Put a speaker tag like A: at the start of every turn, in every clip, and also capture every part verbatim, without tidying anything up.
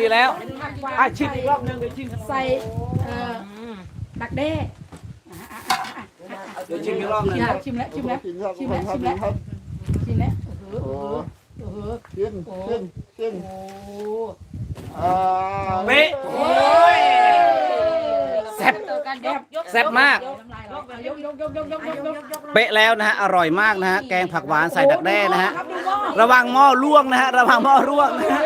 A: แล้วอ่ะชิมอีกรอบนึงเดี๋ยวชิม
B: ใส่เอ่อดักแด้
A: เดี๋ยวชิมอีกรอบนึง
B: ชิมแล้วชิมแล้วชิมแล้ว
C: ชิ
B: ชิ
C: ม
B: ม
C: ค
B: แล้ว
C: รับ
B: ชิมแล้ว
C: ครับ
B: ชิมแล้วเออ
C: โอ้
B: เออเออ
C: ขึ้นขึ้นขึ้น
B: โอ้
C: อ่า
A: เป๊ะโอ้ยแซ่บแซ่บมาก
B: ยกยกยกยกยกยกยกยก
A: เป๊ะแล้วนะฮะอร่อยมากนะฮะแกงผักหวานใส่ดักแด้นะฮะระวังหม้อร่วงนะฮะระวังหม้อร่วงนะฮะ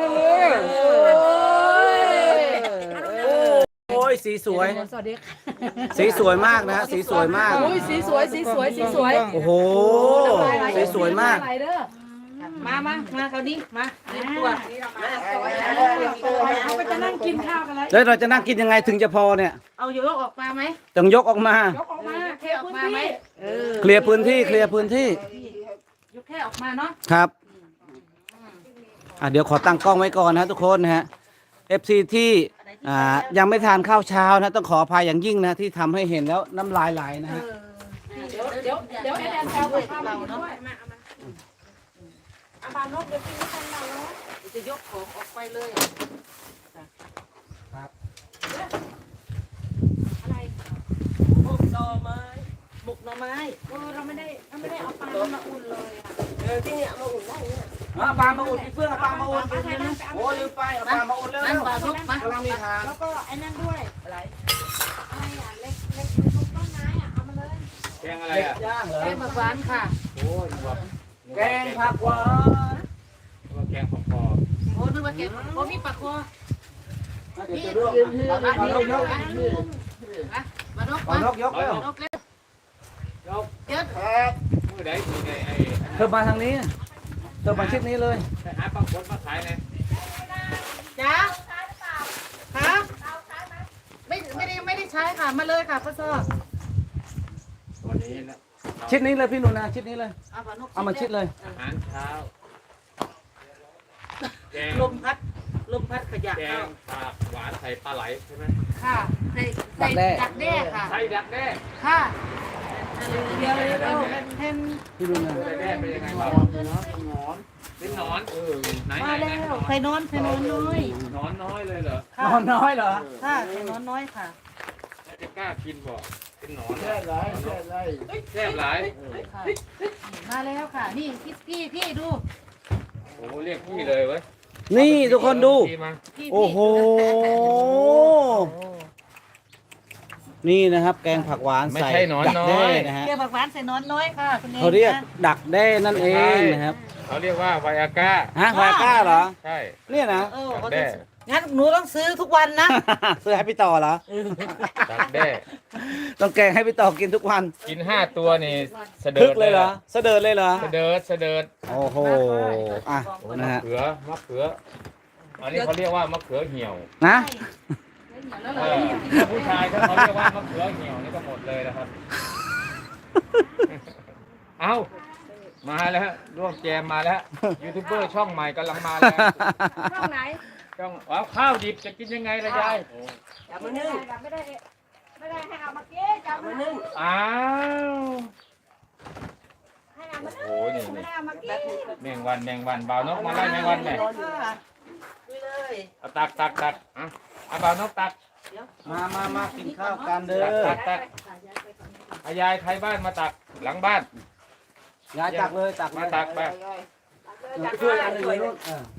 A: โอ้ยสีสวย
B: สวัสดีค่ะ
A: สีสวยมากนะฮะสีสวยมาก
B: โอ้ยสีสวยสีสวยสีสวย
A: โอ้โหสีสวยมาก
B: ไหลเด้อ
D: มามามาเขาดิมาเล่นตัว
B: เขาก็จะนั่งกินข้าวกันแล้ว
A: แล้วเราจะนั่งกินยังไงถึงจะพอเนี่ย
D: เอาโยกออกมาไหม
A: ต้องยกออกมา
B: ยกออกมาเทพื้นที่
D: เออ
A: เคลียร์พื้นที่เคลียร์พื้นที่
D: ยกแค่ออกมาเนาะ
A: ครับอ่ะเดี๋ยวขอตั้งกล้องไว้ก่อนนะทุกคนนะฮะ เอฟ ซี ที่อ่ายังไม่ทานข้าวเช้านะต้องขออภัยอย่างยิ่งนะที่ทำให้เห็นแล้วน้ำลายไหลนะฮะ
B: เดี๋ยวเดี๋ยวเดี๋ยวแอนแอนแซวกับข้าวมากินด้วย
D: อาบานกเดี๋ยวกินไม่ทันเราเนาะจะยกของออกไปเลย
A: ครับ
D: อะไรหมกหน่อไม้หมกหน่อไม้เออเราไม่ได้เราไม่ได้เอาปลามาอุ่นเลยอ่ะเออที่เนี่ยมาอุ่นได้เนี่ย
A: เอาปลามาอุ่นพี่เฟื่องเอาปลามาอุ่นโอ้ลืมไปเอาปลามาอุ่นเร็ว
D: นั่น
A: ๆ
D: ปลาทุกมาก
A: ำลังมีทาง
D: แล้วก็ไอ้นั่นด้วยอะไรอะไรอ่ะเล็กเล็กทุกต้นไม้อ่ะเอามาเลย
E: แกงอะไร
A: เด็ก
E: อ่ะ
A: ย่างเหรอ
D: แกงผักหวานค่ะ
E: โอ้ยว่า
A: แกงผักหวาน
E: ว่าแกงของคอ
D: โอ้นึกว่าแกงโอ้มีปลาคอ
A: เดี๋ยวจะร่วงอ่ะปลานกยก
D: นะมานก
A: ปลานกยกแล้ว
D: นกเล็ก
E: แล้ว
D: เดี๋ยว
C: ครับ
E: มือใดทีไงไอ้
A: เธอมาทางนี้เธอมาชิดนี้เลย
E: หาปลาคนมาขายไง
D: จ้าฮะไม่ไม่ได้ไม่ได้ใช้ค่ะมาเลยค่ะพ่อซอ
E: วันนี้นะ
A: ชิดนี้เลยพี่หนูนาชิดนี้เลย
D: เอาปลานก
A: เอามาชิดเลย
E: อาหารเช้าแกง
D: ลมพัดลมพัดขยะ
E: แก
D: เข้าง
E: ผักหวานใส่ปลาไหลใช่ไหม
D: ค่ะใส่ใส่ดักแด้ค่ะ
E: ใส่ดักแด้
D: ค่ะเดี๋ยวเดี๋ยวเดี๋ยวเห็น
A: พี่หนูนา
E: ดักแด้เป็นยังไงบ้างเป็นหนอนเออไหนไหน
D: มา
E: ไหน
D: แล้ว
E: หนอน
D: ไข่นอนไข่นอนน้อย
E: หนอนน้อยเลยเหรอน
A: อนน้อยเหรอ
D: ค่ะไข่นอนน้อยค่ะ
E: แล้วจะกล้ากินบ่เป็นหนอน
C: แค่ไรแค่ไร
E: แซ่บหลาย
D: ค่ะมาแล้วค่ะ นี่พี่พี่พี่ดู
E: โอ้เรียกพี่เลยเว้ย
A: นี่ทุกคนดู
E: พี่มา
D: พี่
A: โอ้โห นี่นะครับ แกงผักหวาน
E: ไม่
A: ใส่
E: ใช่หนอน
A: ดัก
E: น้อ
A: แด้
E: ย
A: นะฮะ
D: เกี๊ยวผักหวานใส่นอนน้อยค่ะคุณเอง
A: เขาเรียก
D: นะ
A: ดักแด้นั่นเองนะครับ
E: เขาเรียกว่าไวอาก้า
A: ฮะวายก้าเหรอ
E: ใช่
A: เนี่ยนะ
D: เออ
E: ดัก
D: เขา
E: แด้
D: จะงั้นหนูต้องซื้อทุกวันนะ
A: ซื้อให้พี่ต่อเหรอ
E: ดักแด้
A: ต้องแกงให้พี่ต่อกินทุกวัน
E: กินห้าตัวนี่เสดิ
A: พึ
E: ร์
A: ก
E: ด
A: เลยเหรอเสดิร์ดเลยเหรอ
E: เสดิร์ดเสดิร์ด
A: โอ้โห อ่ะ นะ
E: มะ
A: ฮะ
E: เขือมะเขือ อันนี้เขาเรียกว่ามะเขือเหี่ยว
A: นะ
E: เออถ้าผู้ชายถ้าเขาเรียกว่ามะเขือเหี่ยวนี่ก็หมดเลยนะครับ เอามาแล้วฮะร่วมแจมมาแล้วยูทูบเบอร์ช่องใหม่กำลังมาแล้ว
B: ช่องไหน
E: ช่องว้าวข้าวดิบจะกินยังไงล่ะยาย
B: จับมานึ่งไม่ได้ไม่ได้ให้เอามาเก๊จับมานึ่ง
E: อ้าว
B: ให้เอามานึ่ง
E: โอ้โหนี่
B: ไม่
E: นี่
B: ได้เอามาเก๊
E: แมงวันแมงวันบ่าวนกมาไล่แมงวันไหม
D: ค่ะดูเลย
E: เอาตักตักตักอ่ะเอาบ่าวนกตัก
A: มามามากินข้าวกันเด้
E: ตั
A: อก
E: ตักตักเอายายไทยบ้านมาตักหลังบ้าน
A: ยายตักเลยตักเล
E: มาย ตักไป
A: ช่วยอันอื่นเลยลูกเออ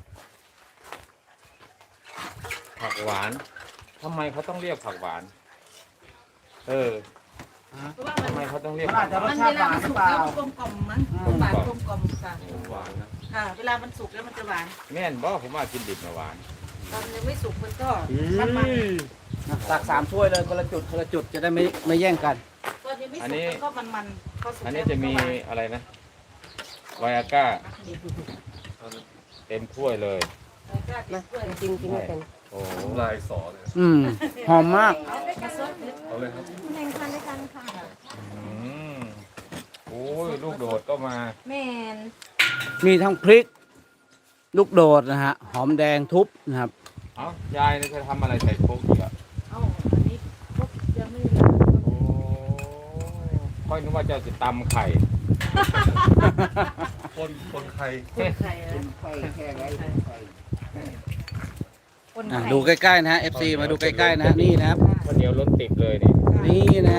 E: ผักหวานทำไมเขาต้องเรียกผักหวาน เออ
D: เพราะว่ามัน
E: ทำไมเขาต้องเรียก
A: มัน
E: ผั
A: อาจ
E: ก
A: จะร
D: มั
A: ส
D: น
A: ชา
D: เว
A: ติห
D: ลาว
A: าน
D: มัน
A: หรื
D: สุ
A: อก เปล่า
D: แล้วมันกลมกล่อมมั้งหวานกลมกล่อมค่ะ
E: หวานนะ
D: ค่ะ เวลามันสุกแล้วมันจะหวาน
E: แม่นบ่ผมว่ากินดิบมาหวาน
D: ตอนยังไม่สุกมันก็มันมัน
A: ตักสามถ้วยเลยคนละจุดคนละจุดจะได้ไม่ไม่แย่งกัน
D: ตอนยังไม่สุกมันก็มันมันพอสุก
E: อัน
D: แล้
E: นี้
D: ว
E: จะมี
D: นก็หวาน
E: อะไรนะไวอาก้าเต็มถ้วยเลย
D: จริงจริงกัน
E: โอ้โห
F: ลายสอเลย
A: อืมหอมมาก
F: เอาเลยครับ
B: แข่งขันด้วยกันค่ะ
E: อืมโอ้ยลูกโดดก็มา
B: แม่น
A: มีทั้งพริก ลูกโดดนะฮะ หอมแดงทุบนะครับ
E: เอ้ายายนี่จะทำอะไรใส่โคกอีกอ่ะ
D: เอ้าอันนี้พวกยังไม่ได้
E: โอ้ค่อยนึกว่าจะจะตำไข่
F: คนคนไทย
D: คนไข่อะ
C: ไฟแค่ไรไฟ
D: โอ้
B: คน
A: อ่ะ
B: ไข่
A: ดูใกล้ๆนะฮะ เอฟ ซี มาดูใกล้ๆนะฮะนี่นะครับ
E: ข้าวเหนียวล้นติบเลยนี่
A: นี่นะ